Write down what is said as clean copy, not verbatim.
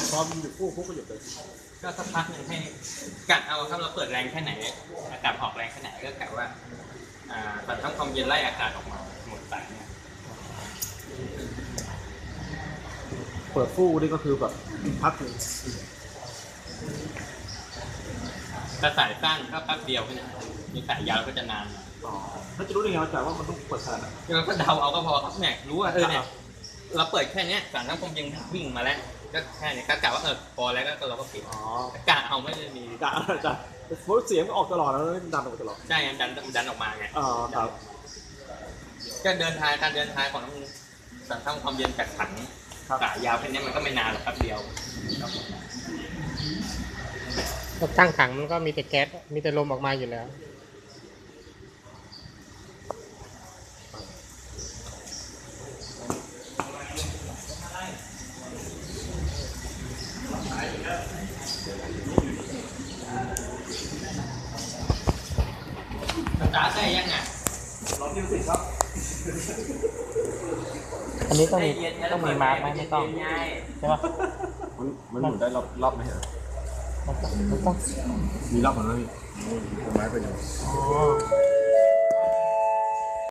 พอมันอยู่คู่ก็หยุดเลยก็สักพักหนึ่งให้กะเอาถ้าเราเปิดแรงแค่ไหนอากาศออกแรงแค่ไหนก็กะว่าตอนทำความเย็นไล่อากาศออกมาหมดสายเนี่ยเปิดฟู่นี่ก็คือแบบพักหนึ่งถ้าสายสั้นก็แป๊บเดียวแค่นั้นมีสายยาวก็จะนานหน่อยอ๋อแล้วจะรู้ได้ไงว่าแต่ว่ามันต้องเปิดขนาดไหนเราก็เดาเอาก็พอครับเนี่ยรู้ว่าเนี่ยเราเปิดแค่เนี้ยสารทำความเย็นวิ่งมาแล้วก็แค่นี้ก็กะว่าพอแล้วก็เราก็ปิดอ๋อกะเอาไม่ได้มีจะสมมติเสียงออกตลอดแล้วดันออกตลอดใช่ดันออกมาไงอ๋อครับก็การเดินทางของสารทำความเย็นจากถังสายยาวแค่นี้มันก็ไม่นานหรอกแป๊บเดียวก็ตั้งถังมันก็มีแต่แก๊สมีแต่ลมออกมาอยู่แล้วสตาร์ทได้ยังไงรอบที่สิบครับอันนี้ต้องมีมาร์กไหมไม่ต้องใช่ปะมันหมุนได้รอบไหมเหรอมันต้องมีรอบมันไหมพี่ไม้ไปอยู่อ๋อ